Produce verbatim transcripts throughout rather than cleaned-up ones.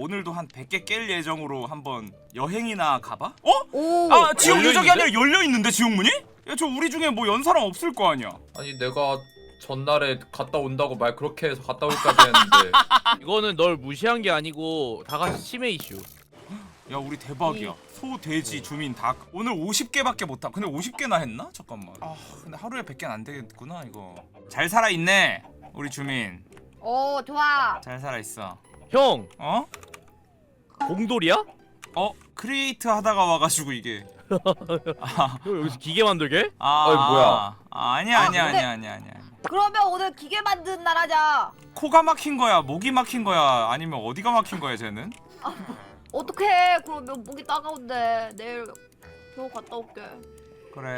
오늘도 한 백 개 깰 예정으로 한번 여행이나 가봐? 어? 오. 아 지옥 유적이 열려있는데? 아니라 열려있는데 지옥문이? 야 저 우리 중에 뭐 연 사람 없을 거 아니야. 아니 내가 전날에 갔다 온다고 말 그렇게 해서 갔다 올까지 했는데 이거는 널 무시한 게 아니고 다 같이 치매 이슈. 야 우리 대박이야. 소, 돼지, 주민 다 오늘 오십 개밖에 못하. 근데 오십 개나 했나? 잠깐만. 아 근데 하루에 백 개는 안 되겠구나 이거. 잘 살아있네 우리 주민. 오 좋아. 잘 살아있어. 형 어? 공돌이야? 어? 크리에이트 하다가 와가지고 이게. 아, 형 여기서 기계 만들게? 아 어이, 뭐야? 아, 아니야 아, 아니야 근데- 아니야 아니야 아니야. 그러면 오늘 기계 만든 날 하자. 코가 막힌 거야? 목이 막힌 거야? 아니면 어디가 막힌 거야 쟤는? 어떡해? 그러면 목이 따가운데 내일 병원 갔다 올게. 그래.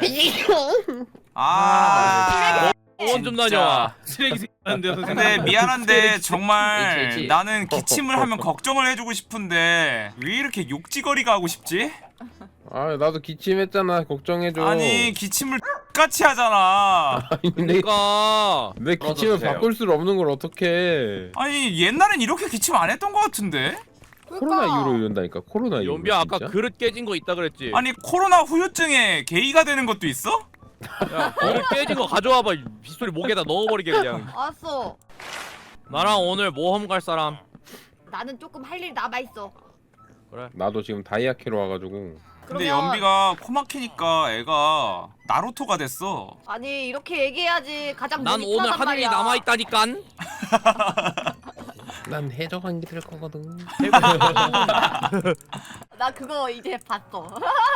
아, 아. 병원 좀 진짜. 다녀와. 쓰레기 새끼인데 선생님. 근데 미안한데 정말 있지, 있지. 나는 기침을 하면 걱정을 해주고 싶은데 왜 이렇게 욕지거리가 하고 싶지? 아 나도 기침했잖아. 걱정해줘. 아니 기침을 같이 하잖아. 아니, 내, 그러니까 내 기침을 풀어주세요. 바꿀 수 없는 걸 어떡해. 아니 옛날엔 이렇게 기침 안 했던 것 같은데? 코로나 이후로 이런다니까. 코로나 이후로. 연비야 아까 진짜? 그릇 깨진 거 있다 그랬지? 아니 코로나 후유증에 게이가 되는 것도 있어? 야 그릇 깨진 거 가져와봐. 이 빗소리 목에다 넣어버리게 그냥. 알았어. 나랑 오늘 모험 갈 사람. 나는 조금 할 일 남아 있어. 나도 지금 다이아키로 와가지고. 근데 그러면- 연비가 코 막히니까 애가 나루토가 됐어. 아니 이렇게 얘기해야지 가장 난 몸이 오늘 편하단 할 일이 말이야. 남아 있다니깐. 난 해적한 게 될 거거든. 나 그거 이제 봤어.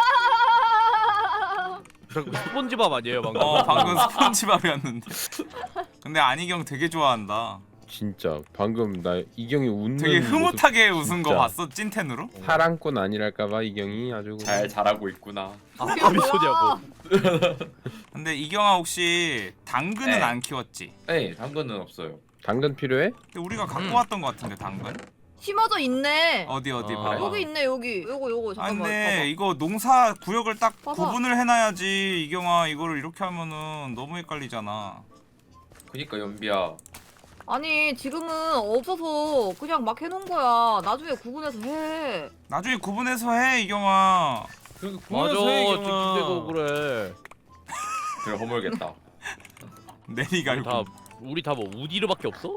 스폰지밥 아니에요 방금? 어 방금 스폰지밥이었는데. 근데 안희경 되게 좋아한다. 진짜 방금 나 이경이 웃는 되게 흐뭇하게 모습 웃은 거 진짜. 봤어 찐텐으로? 사랑꾼 아니랄까봐 이경이 아주. 잘 자라고 있구나. 아 빗소리하고. 근데 이경아 혹시 당근은 네. 안 키웠지? 네, 당근은 없어요. 당근 필요해? 근데 우리가 갖고 음. 왔던 것 같은데 당근? 심어져 있네. 어디 어디 아. 봐봐. 여기 있네 여기. 요거 요거 아 잠깐만. 근데 이거 농사 구역을 딱 봐봐. 구분을 해놔야지 이경아. 이거를 이렇게 하면은 너무 헷갈리잖아. 그니까 연비야. 아니 지금은 없어서 그냥 막 해놓은 거야. 나중에 구분해서 해. 나중에 구분해서 해 이경아. 맞아 집주대도 그래. 그래 허물겠다. 내리가 우리 다 우리 다 뭐 우디르밖에 없어?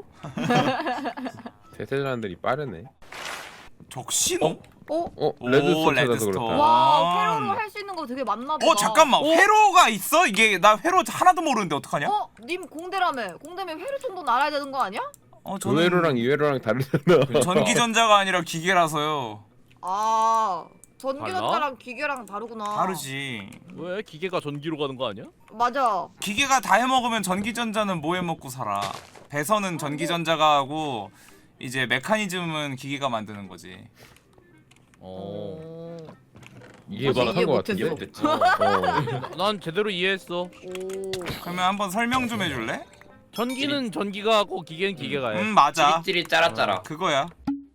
대세 사람들이 빠르네. 적신호? 어? 어 오, 레드스톤 찾아서 레드스톤. 그렇다. 와 회로로 할 수 있는 거 되게 많나 보다. 어 잠깐만 어? 회로가 있어? 이게 나 회로 하나도 모르는데 어떡하냐? 어? 님 공대라며. 공대면 회로 정도는 알아야 되는 거 아니야? 어 그 회로랑 이 회로랑 다르잖아. 전기전자가 아니라 기계라서요. 아 달라? 전기전자랑 기계랑 다르구나. 다르지. 왜 기계가 전기로 가는 거 아니야? 맞아. 기계가 다 해먹으면 전기전자는 뭐 해먹고 살아. 배선은 전기전자가 하고 이제 메커니즘은 기계가 만드는 거지. 어. 어. 이해 사실 이해 못한 거 못했어. 같은데. 됐지. 어. 난 제대로 이해했어. 오. 그러면 한번 설명 좀 해줄래? 전기는 전기가 하고 기계는 기계가 해. 음 맞아. 찌릿찌릿 짜라짜라. 그거야.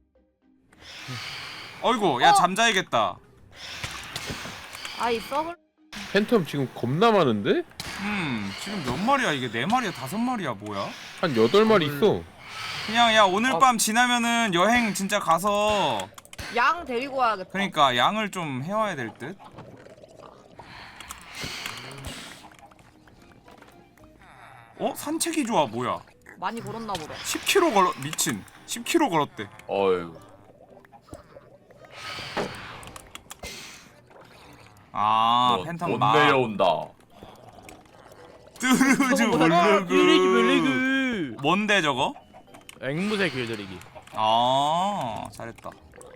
어이구 야 어? 잠자야겠다. 아이 썩을. 팬텀 지금 겁나 많은데? 음 지금 몇 마리야 이게? 네 마리야 다섯 마리야 뭐야? 한 여덟 마리 있어. 그냥 야 오늘 아. 밤 지나면은 여행 진짜 가서 양 데리고 와야겠다. 그러니까 양을 좀 해와야 될 듯. 어? 산책이 좋아 뭐야? 많이 걸었나 보다. 십 킬로미터 걸어 미친. 십 킬로미터 걸었대. 어휴. 아 못- 팬텀 못 마. 내려온다. 뚜르즈 빌리기 몰르그. 빌리기. 뭔데 저거? 앵무새 길들이기. 아 잘했다.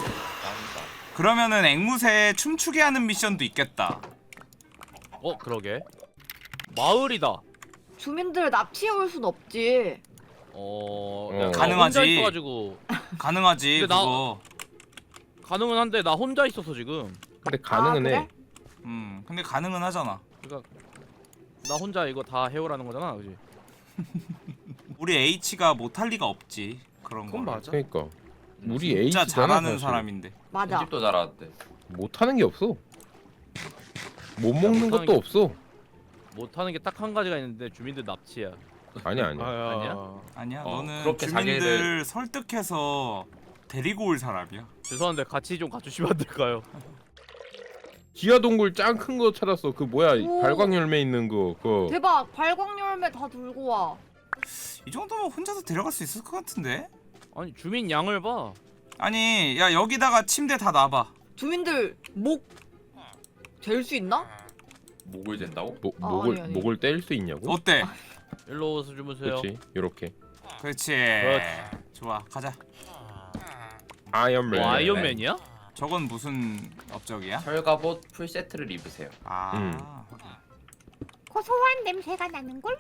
그러면은 앵무새 춤추게 하는 미션도 있겠다. 어 그러게. 마을이다. 주민들 납치해 올 순 없지. 어, 어. 나 가능하지. 혼자 있어가지고 가능하지 근데 나- 그거. 가능은 한데 나 혼자 있어서 지금. 근데 가능은 아, 해. 그래? 음 근데 가능은 하잖아. 그러니까 나 혼자 이거 다 해오라는 거잖아, 그지? 우리 H가 못할 리가 없지 그런 거. 그건 맞아. 그러니까 우리 진짜 에이스잖아, 잘하는 사실. 사람인데. 맞아. 집도 잘하는데. 못하는 게 없어. 못 먹는 못하는 것도 게- 없어. 못하는 게 딱 한 가지가 있는데 주민들 납치야. 아니야 아니야. 아니야? 아니야 어, 너는 그렇게 주민들 자기를- 설득해서 데리고 올 사람이야. 죄송한데 같이 좀 가주시면 안 될까요? 지하 동굴 짱 큰 거 찾았어. 그 뭐야? 오. 발광 열매 있는 거. 그거. 대박. 발광 열매 다 들고 와. 이 정도면 혼자서 데려갈 수 있을 것 같은데? 아니 주민 양을 봐. 아니 야 여기다가 침대 다 놔봐. 주민들 목 잴 수 있나? 목을 잰다고? 목 아, 목을 아니, 아니. 목을 뗄 수 있냐고? 어때? 일로 오서 주무세요. 그렇지. 요렇게. 그렇지. 그렇지. 좋아 가자. 아이언맨. 뭐 아이언맨이야? 저건 무슨 업적이야? 철갑옷 풀 세트를 입으세요. 아. 음. 고소한 냄새가 나는 걸?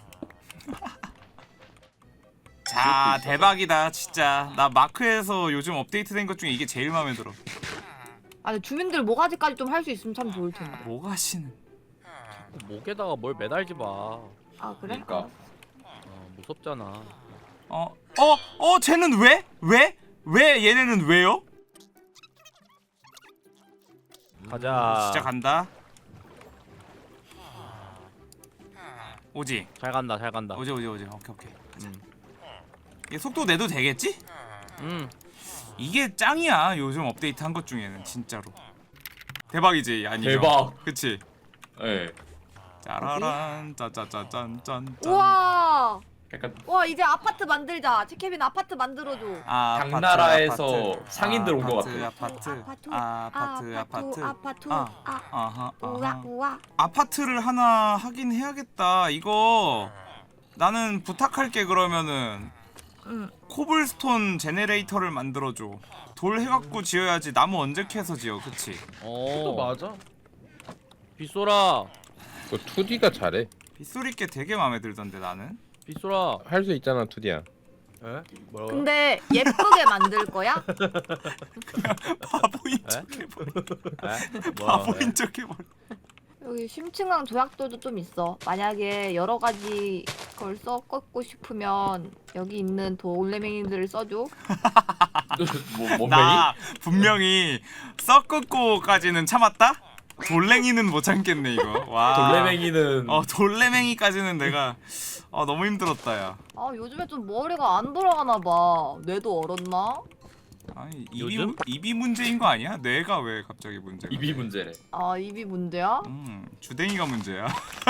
자 있어서. 대박이다 진짜. 나 마크에서 요즘 업데이트된 것 중에 이게 제일 마음에 들어. 아니 주민들 모가지까지 좀 할 수 있으면 참 좋을 텐데. 뭐가시는? 목에다가 뭘 매달지 마. 아 그래? 그러니까. 어, 무섭잖아. 어? 어? 어? 쟤는 왜? 왜? 왜 얘네는 왜요? 가자. 진짜 간다. 오지? 잘 간다, 잘 간다. 오지 오지 오지. 오케이 오케이. 음. 얘 속도 내도 되겠지? 음. 이게 짱이야 요즘 업데이트 한 것 중에는 진짜로. 대박이지 아니 대박. 그치? 예. 짜라란 짜짜짜짠짠. 우와. 약간 와 이제 아파트 만들자. 치케빈 아파트 만들어줘. 아, 당나라에서 상인들 온 것 같아. 아파트 아파트, 아파트 아파트 아파트. 아. 아. 아하 우와 아하. 우와. 아파트를 하나 하긴 해야겠다. 이거 나는 부탁할게. 그러면은 응. 코블스톤 제네레이터를 만들어줘. 돌 해갖고 지어야지. 나무 언제 캐서 지어. 그치? 어. 맞아. 빗소라. 그 투디가 잘해. 빗소리 께 되게 마음에 들던데 나는. 빗소라. 할 수 있잖아 투디야. 에? 뭐라고? 근데 예쁘게 만들 거야? 바보인 에? 척 해버려. 에? 뭐야? 바보인 척 해버려. 여기 심층강 조약돌도 좀 있어. 만약에 여러 가지 걸 섞고 싶으면 여기 있는 돌레맹이들을 써줘. 뭐 몸매이? 나 분명히 썩고,까지는 참았다. 돌랭이는 못 참겠네 이거. 와. 돌레맹이는 어 돌레맹이까지는 내가 어 너무 힘들었다 야. 아 요즘에 좀 머리가 안 돌아가나 봐. 뇌도 얼었나? 아니 입이 요즘? 입이 문제인 거 아니야? 뇌가 왜 갑자기 문제가? 입이 문제래. 아 입이 문제야? 음 주댕이가 문제야.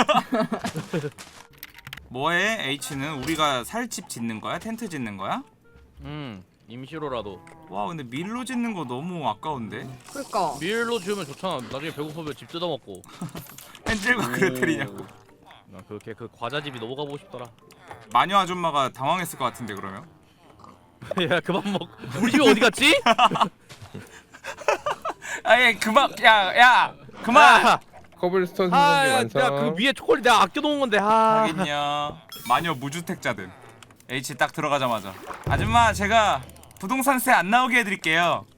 뭐해 H는 우리가 살 집 짓는 거야? 텐트 짓는 거야? 음. 임시로라도. 와 근데 밀로 짓는 거 너무 아까운데. 그러니까. 밀로 지으면 좋잖아. 나중에 배고프면 집 뜯어먹고. 헨젤과 그레텔이냐고. 나 그렇게 그 과자집이 너무 가보고 싶더라. 마녀 아줌마가 당황했을 것 같은데 그러면. 야 그만 먹. 우리 집이 어디 갔지? 아예 그만 야야 그만. 아, 커블스톤 아, 생성기 완성. 야, 그 위에 초콜릿 내가 아껴놓은 건데. 아. 하긴요. 마녀 무주택자들. H 딱 들어가자마자 아줌마 제가 부동산세 안 나오게 해드릴게요.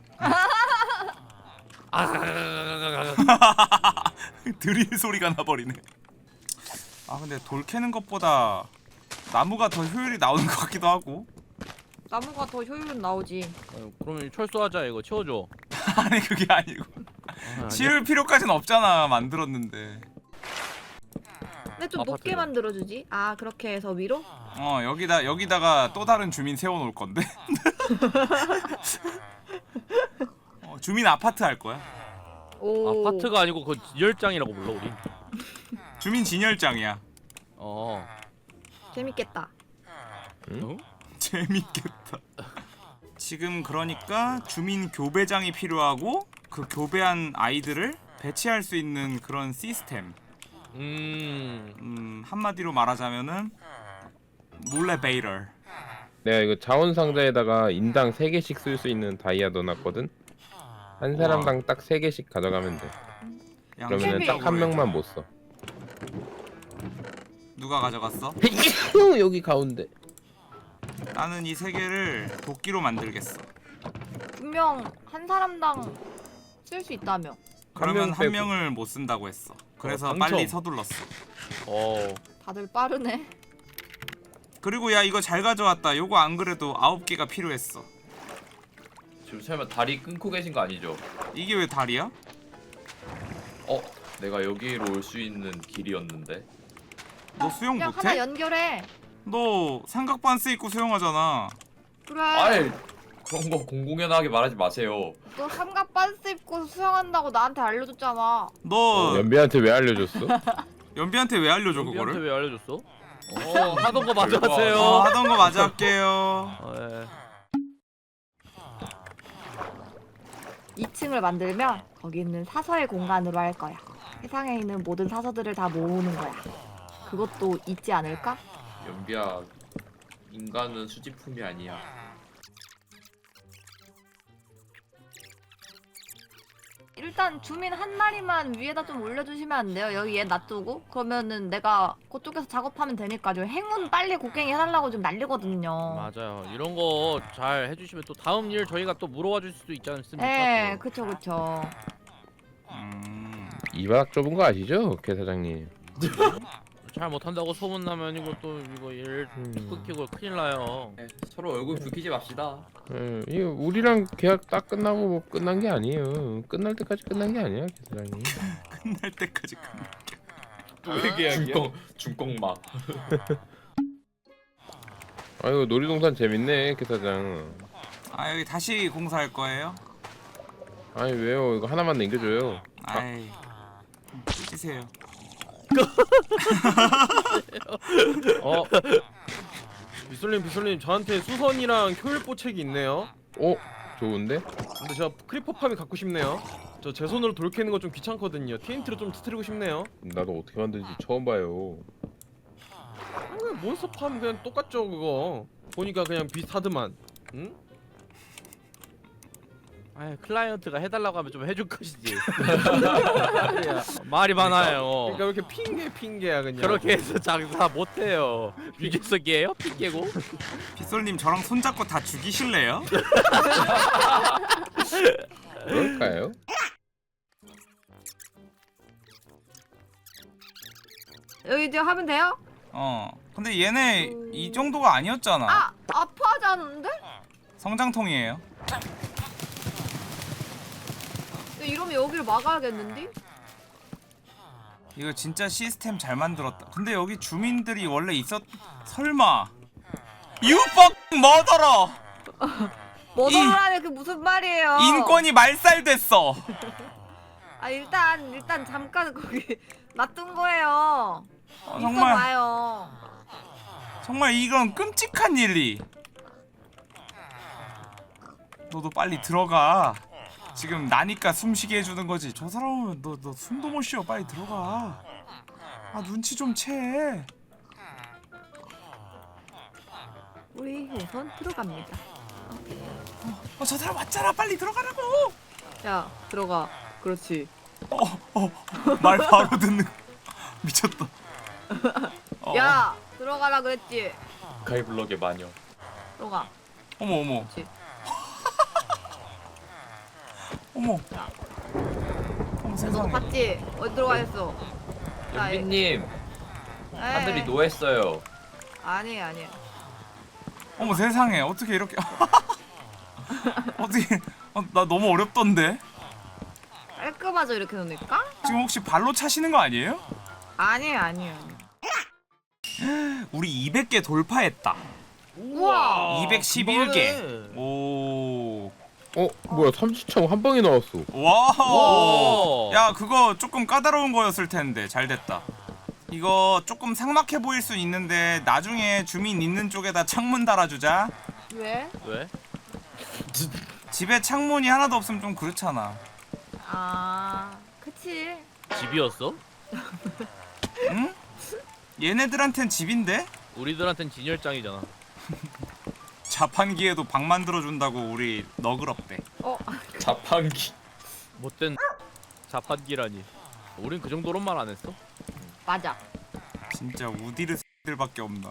드릴 소리가 나버리네. 아 근데 돌 캐는 것보다 나무가 더 효율이 나오는 것 같기도 하고. 나무가 더 효율은 나오지. 어, 그러면 철수하자 이거 치워줘. 아니 그게 아니고 아, 치울 필요까지는 없잖아. 만들었는데. 근데 좀 아파트로. 높게 만들어주지. 아 그렇게 해서 위로? 어 여기다 여기다가 또 다른 주민 세워놓을 건데. 어, 주민 아파트 할 거야. 오. 아파트가 아니고 그 열장이라고 불러 우리. 주민 진열장이야. 어. 재밌겠다. 응? 재밌겠다. 지금 그러니까 주민 교배장이 필요하고 그 교배한 아이들을 배치할 수 있는 그런 시스템. 음. 음 한마디로 말하자면은 몰래 베이럴. 내가 이거 자원 상자에다가 인당 세 개씩 쓸 수 있는 다이아 넣어놨거든. 한 사람당 딱 세 개씩 가져가면 돼. 그러면은 딱 한 명만 못 써. 누가 가져갔어? 여기 가운데. 나는 이 세 개를 도끼로 만들겠어. 분명 한 사람당 쓸 수 있다며. 그러면 명 한 빼고. 명을 못 쓴다고 했어. 그래서 당첨. 빨리 서둘렀어. 어. 다들 빠르네. 그리고 야 이거 잘 가져왔다. 요거 안 그래도 아홉 개가 필요했어. 지금 설마 다리 끊고 계신 거 아니죠? 이게 왜 다리야? 어? 내가 여기로 올 수 있는 길이었는데. 너 수영 그냥 하나 못해? 연결해. 너 삼각반스 입고 수영하잖아. 그래. 아이 그런 거 공공연하게 말하지 마세요. 너 삼각 반스 입고 수영한다고 나한테 알려줬잖아. 너 연비한테 왜 알려줬어? 연비한테 왜 알려줘 연비한테 그거를? 왜 알려줬어? 어 하던 거 마저 별거 하세요. 어, 하던 거 마저 할게요. 어, 예. 이 층을 만들면 거기 있는 사서의 공간으로 할 거야. 세상에 있는 모든 사서들을 다 모으는 거야. 그것도 있지 않을까? 연비야, 인간은 수집품이 아니야. 일단 주민 한 마리만 위에다 좀 올려주시면 안 돼요? 여기 얘 놔두고? 그러면은 내가 그쪽에서 작업하면 되니까 좀 행운 빨리 곡괭이 해달라고 좀 난리거든요. 맞아요. 이런 거 잘 해주시면 또 다음 일 저희가 또 물어봐 줄 수도 있지 않습니까? 네, 또. 그쵸 그쵸. 음, 이 바닥 좁은 거 아시죠, 개 사장님? 잘 못한다고 소문 나면 이거 또 이거 일 음. 끊기고 큰일 나요. 네, 서로 얼굴 붉히지 맙시다. 예, 이거 우리랑 계약 딱 끝나고 뭐 끝난 게 아니에요. 끝날 때까지 끝난 게 아니야, 개 사장님. 끝날 때까지 끝. 왜 계약이야? 중공 중공막. 아이고 놀이동산 재밌네, 개 사장. 아 여기 다시 공사할 거예요? 아니 왜요? 이거 하나만 남겨줘요. 아이, 찢으세요. 어 비솔님 비솔님 저한테 수선이랑 효율보책이 있네요. 어? 좋은데? 근데 제가 크리퍼팜이 갖고 싶네요. 저 제 손으로 돌 캐는 거 좀 귀찮거든요. 티엔티로 좀 터뜨리고 싶네요. 나도 어떻게 만드는지 처음 봐요. 아, 그냥 몬스터팜 그냥 똑같죠 그거. 보니까 그냥 비슷하드만. 응? 아 클라이언트가 해달라고 하면 좀 해줄 것이지. 말이 많아요. 그러니까 왜 이렇게 핑계 핑계야 그냥. 그렇게 해서 장사 못해요. 유재석이에요? 핑계고? 빗솔님 저랑 손잡고 다 죽이실래요? 그럴까요? 여기 이제 하면 돼요? 어. 근데 얘네 이 정도가 아니었잖아. 아! 아파하지 않는데? 성장통이에요. 이러면 여기를 막아야겠는데? 이거 진짜 시스템 잘 만들었다. 근데 여기 주민들이 원래 있었... 설마 You fucking murderer! 머더라네 그 무슨 말이에요? 인권이 말살됐어. 아 일단 일단 잠깐 거기 놔둔 거예요. 어, 있어 정말 봐요. 정말 이건 끔찍한 일이. 너도 빨리 들어가. 지금 나니까 숨쉬게 해주는 거지. 저 사람은 너 너 숨도 못 쉬어. 빨리 들어가. 아 눈치 좀 채. 우리 우선 들어갑니다. 어 저 사람 왔잖아. 빨리 들어가라고. 야 들어가. 그렇지. 말 바로 듣는. 미쳤다. 어. 야 들어가라 그랬지. 가이블럭의 마녀. 들어가. 어머 어머. 그렇지. 어머. 어머 너 세상에. 봤지? 어디 들어가 있어? 자, 연비님, 에이. 하늘이 노했어요. 아니 아니. 어머 세상에. 어떻게 이렇게. 어떻게. 어, 나 너무 어렵던데. 깔끔하죠 이렇게 놓으니까? 지금 혹시 발로 차시는 거 아니에요? 아니 아니요. 우리 이백 개 돌파했다. 우와. 이백십일 개. 그거네. 오. 어? 뭐야 삼지청 한 방에 나왔어. 와우. 오. 야 그거 조금 까다로운 거였을 텐데 잘 됐다. 이거 조금 삭막해 보일 수 있는데 나중에 주민 있는 쪽에다 창문 달아주자. 왜? 왜? 집에 창문이 하나도 없으면 좀 그렇잖아. 아 그치. 집이었어? 응? 얘네들한텐 집인데? 우리들한텐 진열장이잖아. 자판기에도 방 만들어준다고 우리 너그럽대. 어 자판기. 못된 자판기라니. 우린 그 정도로만 안 했어. 맞아. 진짜 우디르들밖에 없나.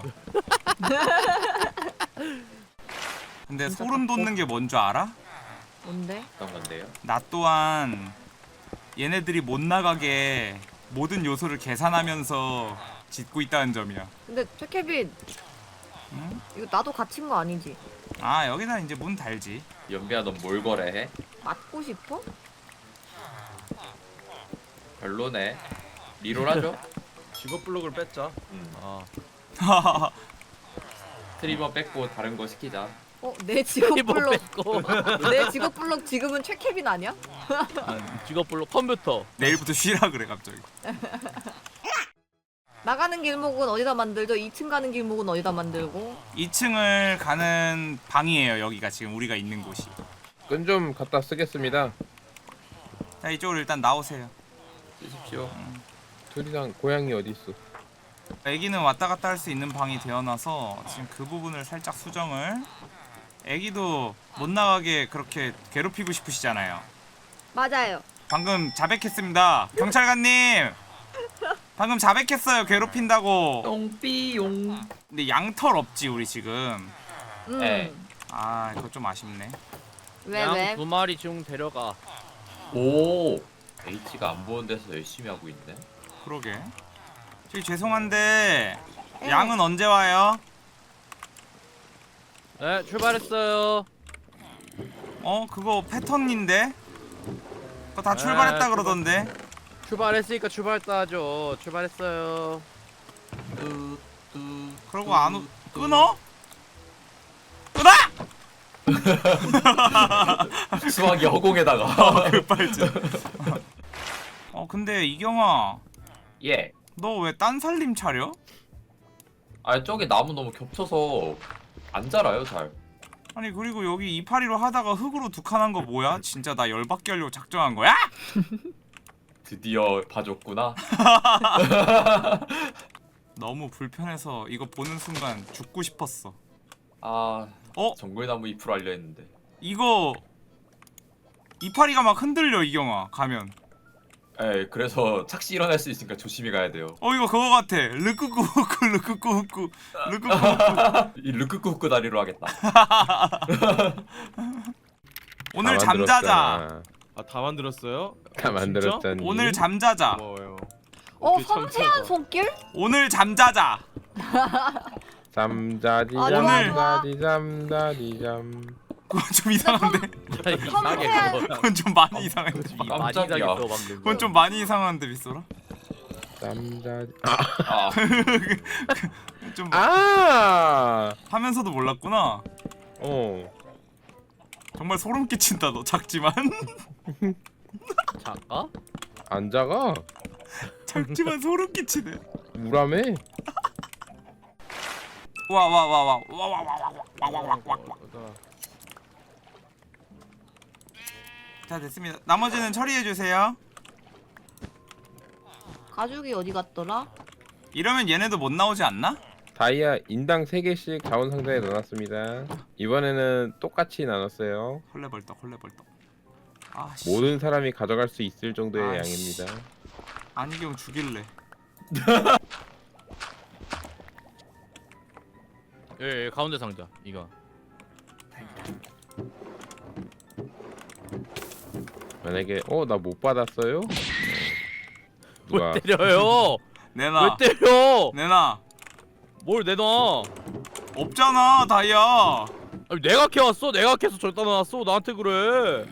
근데 소름 돋는 게 뭔 줄 알아? 뭔데? 어떤 건데요? 나 또한 얘네들이 못 나가게 모든 요소를 계산하면서 짓고 있다는 점이야. 근데 최케빈 응? 이거 나도 갇힌 거 아니지? 아 여기다 이제 문 달지. 연비야, 넌 뭘 거래해? 맞고 싶어? 별로네. 리롤하죠? 직업 블록을 뺐자. 음. 아 스트리머 뺏고 다른 거 시키자. 어, 내 직업 이거 블록 뺏고 내 직업 블록 지금은 최케빈 아니야? 직업별로 컴퓨터. 내일부터 쉬라 그래 갑자기. 나가는 길목은 어디다 만들죠? 이 층 가는 길목은 어디다 만들고? 이 층을 가는 방이에요. 여기가 지금 우리가 있는 곳이. 끈 좀 갖다 쓰겠습니다. 자 이쪽으로 일단 나오세요. 쓰십시오. 둘이랑 고양이 어디 있어? 애기는 왔다 갔다 할 수 있는 방이 되어놔서 지금 그 부분을 살짝 수정을. 애기도 못 나가게 그렇게 괴롭히고 싶으시잖아요. 맞아요. 방금 자백했습니다. 경찰관님. 방금 자백했어요. 괴롭힌다고. 똥삐용. 근데 양털 없지 우리 지금. 음. 네. 아 이거 좀 아쉽네. 왜 양 왜? 두 마리 중 데려가. 오. H가 안 보는 데서 열심히 하고 있네. 그러게. 저기 죄송한데 네. 양은 언제 와요? 네 출발했어요. 어 그거 패턴인데? 그거 다 네, 출발했다 출발. 그러던데. 출발했으니까 출발했다 하죠. 출발했어요. 뚜뚜. 그러고 안 오... 끊어? 끊어! 수학이 허공에다가. 급발진. 어 근데 이경아 예. 너 왜 딴 살림 차려? 아 저기 나무 너무 겹쳐서 안 자라요 잘. 아니 그리고 여기 이파리로 하다가 흙으로 두 칸 한 거 뭐야? 진짜 나 열받게 하려고 작정한 거야? 드디어 봐줬구나. 너무 불편해서 이거 보는 순간 죽고 싶었어. 아. 어? 정글나무 잎으로 알려 했는데. 이거 이파리가 막 흔들려 이경아 가면. 에 그래서 착시 일어날 수 있으니까 조심히 가야 돼요. 어 이거 그거 같아. 르끄꾸후꾸 르끄꾸후꾸 르끄꾸후꾸. 이 르끄끄끄 다리로 하겠다. 오늘 다 잠자자. 만들었잖아. 아, 다 만들었어요? 다 진짜? 만들었잖니. 오늘 잠자자. 고마워요. 어 오케이, 참 섬세한 좋다. 손길? 오늘 잠자자. 잠자지 아, 좋아, 잠자지 잠자지 잠. 그건 좀 이상한데. 이상하게 섬세한- 그거. 그건 좀 많이 이상한데. 이 많이 깜짝이야. 이상했어 방금. 그건 좀 많이 이상한데 빗소라. 잠자지. 아. 좀 아. 하면서도 몰랐구나. 어. 정말 소름 끼친다 너 작지만. 작가? 안 작아. 작지만 소름 끼치네. 우람해. 와 와 와 와 와 와 와 와 와 와 와. 자 됐습니다. 나머지는 처리해 주세요. 가죽이 어디 갔더라? 이러면 얘네도 못 나오지 않나? 다이아 인당 세 개씩 자원 상자에 넣어놨습니다. 이번에는 똑같이 나눴어요. 헐레벌떡 헐레벌떡. 아씨. 모든 사람이 가져갈 수 있을 정도의 아이씨. 양입니다. 안경 죽일래. 예, 예 가운데 상자 이거. 만약에 어 나 못 받았어요? 누가 왜 때려요? 내놔. 왜 때려? 내놔. 뭘 내놔? 없잖아 다이아. 아니, 내가 캐왔어. 내가 캐서 절단 놨어. 나한테 그래.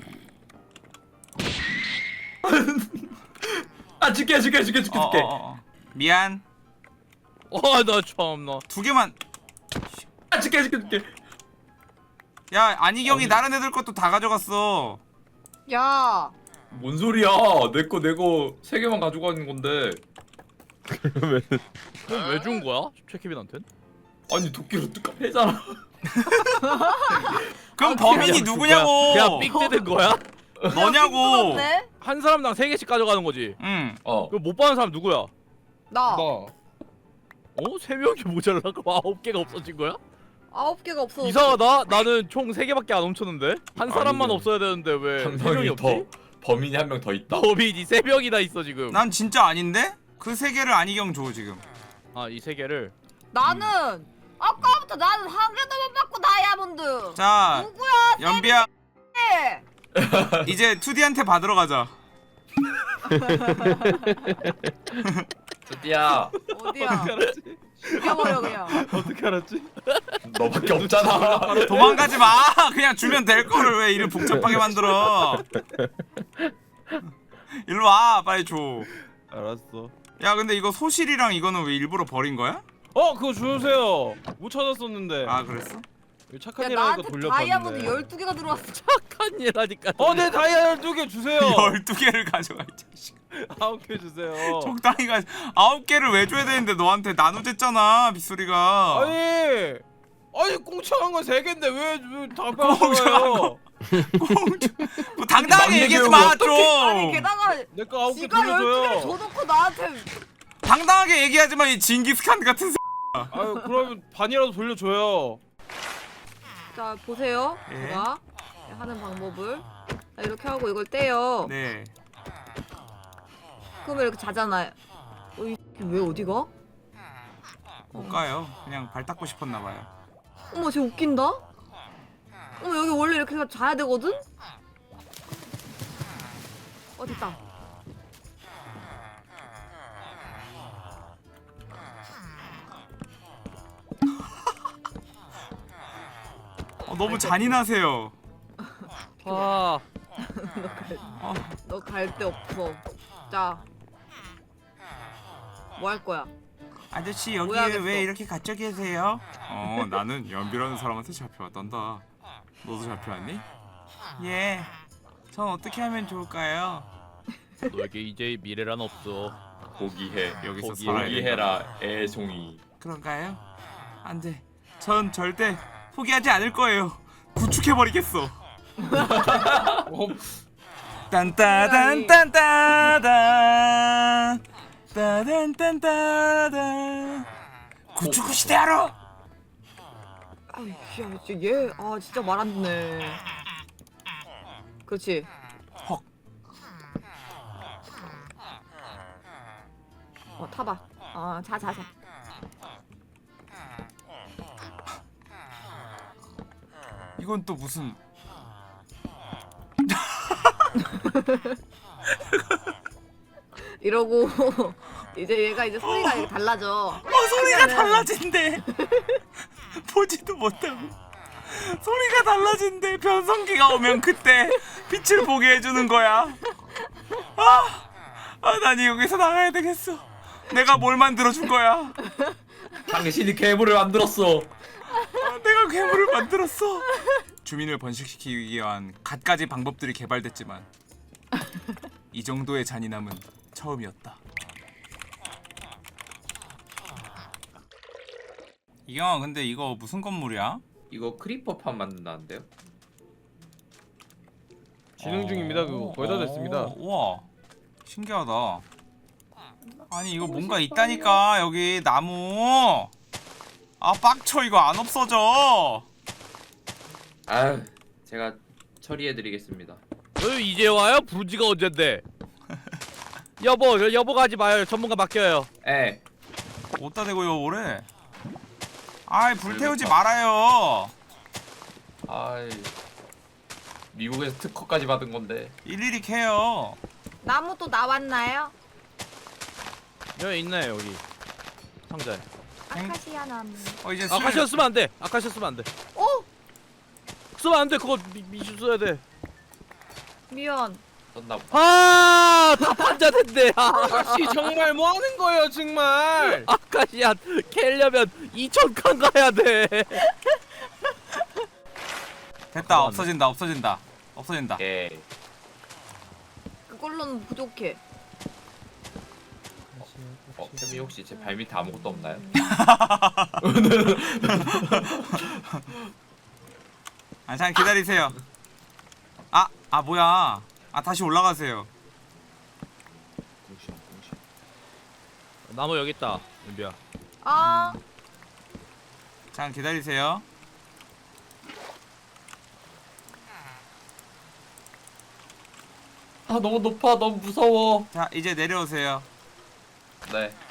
아 줄게 줄게 줄게 줄게 어, 줄게. 어, 어, 어. 미안. 아나 참나. 두 개만. 아 줄게 줄게 줄게. 야 안희경이 어, 다른 애들 것도 다 가져갔어. 야, 뭔 소리야? 내 거 내 거 세 개만 가지고 가는 건데. 그러면 그럼 왜 준 거야? 최케빈한텐? 아니 도끼로 뚝 패잖아. 그럼 아, 범인이 그냥 누구냐고. 그냥 삑 뜨는 거야? 너냐고. 네? 한 사람당 세 개씩 가져가는 거지. 응. 어. 그럼 못 받는 사람 누구야? 나 나. 어? 세 명이 모자라? 그럼 아홉 개가 없어진 거야? 아홉 개가 없어. 이상하다. 나는 총 세 개밖에 안 훔쳤는데 한 사람만 아니면 없어야 되는데 왜 한 세 명이 명이 없지? 더 범인이 한 명 더 있다. 범인이 세 명이나 있어 지금. 난 진짜 아닌데? 그 세 개를 안희경 줘 지금. 아 이 세 개를. 나는 아까부터 나는 한 개도 못 받고 다이아몬드. 자 누구야? 연비야 세 이제 투디한테 받으러 가자. 드디어 어디야? 죽여버려 그냥. 어떻게 알았지? 너밖에 없잖아. 도망가지 마. 그냥 주면 될 거를 왜 이를 복잡하게 만들어. 일로 와 빨리 줘. 알았어. 야 근데 이거 소실이랑 이거는 왜 일부러 버린 거야? 어, 그거 주세요. 못 찾았었는데. 아 그랬어? 이거 착한 야 일 하니까 나한테 돌려봤네. 다이아몬드 열두 개가 들어왔어. 착한 일 하니까. 어, 내 다이아 열두 개 주세요. 열두 개를 가져가 이 자식. 아홉 개 주세요. 적당히 가. 아홉 개를 왜 줘야 되는데 너한테 나누댔잖아 빗소리가. 아니, 아니 공짜한 건 세 개인데 왜다 공짜한 빼앗아요? 뭐 당당하게 막내 얘기하지 교육을 마 어떻게- 좀. 아니 게다가 내거 아홉 개 지가 열두 개를 돌려줘요. 줘놓고 나한테 당당하게 얘기하지 마 이 징기스칸 같은. 아유, 그러면 반이라도 돌려줘요. 자 보세요. 예. 제가 하는 방법을 자, 이렇게 하고 이걸 떼요. 네. 그러면 이렇게 자잖아요. 어, 이 새끼 왜 어디가? 못 가요. 그냥 발 닦고 싶었나 봐요. 어머 쟤 웃긴다. 어머 여기 원래 이렇게 해서 자야 되거든? 어 됐다. 어, 너무 잔인하세요. 아, 어, 너 갈 데 없어. 자. 뭐 할 거야? 아저씨 여기 뭐 해야겠어? 왜 이렇게 갇혀 계세요? 어 나는 연비라는 사람한테 잡혀왔단다. 너도 잡혀왔니? 예. 전 어떻게 하면 좋을까요? 너에게 이제 미래란 없어. 포기해. 여기서 거기에 살아야 포기해라 애송이. 그런가요? 안돼. 전 절대 포기하지 않을 거예요. 구축해버리겠어. 어, 딴따단딴따단 따단딴따단 구축구 시대하러. 아이 야 진짜 얘 아 진짜 말 안 듣네. 그렇지. 헉. 어 타봐. 어자 자 자. 이건 또 무슨 이러고 이제 얘가 이제 소리가 이렇게 달라져. 어 소리가 달라진대. 보지도 못하고 소리가 달라진대. 변성기가 오면 그때 빛을 보게 해주는 거야. 아, 아, 난 여기서 나가야 되겠어. 내가 뭘 만들어준 거야? 당신이 괴물을 만들었어. 아, 내가 괴물을 만들었어. 주민을 번식시키기 위한 갖가지 방법들이 개발됐지만 이 정도의 잔인함은 처음이었다. 이경아, 근데 이거 무슨 건물이야? 이거 크리퍼판 만든다는데요? 진행 중입니다. 그거 거의 다 됐습니다. 어, 우와, 신기하다. 아니 이거 뭔가 있다니까 여기 나무. 아 빡쳐 이거 안 없어져. 아유, 제가 처리해드리겠습니다. 너 이제 와요? 부른 지가 언젠데? 여보, 여- 여보가 하지 마요. 전문가 맡겨요. 에. 어디다 대고 요거래? 아이 불태우지 말아요. 아이. 미국에서 특허까지 받은 건데. 일일이 캐요. 나무 또 나왔나요? 여기 있네 여기 상자에. 아카시아 나무. 어 이제 아카시아 쓰면 안 돼. 아카시아 쓰면 안 돼. 어? 쓰면 안 돼. 그거 미, 미슈 써야 돼. 미안. 썼나 보. 아, 다 판자된대. 아, 아가씨 정말 뭐 하는 거예요, 정말? 아카시아 캐려면 이천 칸 가야 돼. 됐다. 없어진다. 없어진다. 없어진다. 예. 그걸로는 부족해. 어, 쌤이 혹시 제 발밑에 아무것도 없나요? 아 잠깐 기다리세요. 아, 아 뭐야? 아 다시 올라가세요. 공시형, 공시. 나무 여기 있다. 연비야. 아 잠깐 기다리세요. 아, 너무 높아, 너무 무서워. 자 이제 내려오세요. 네.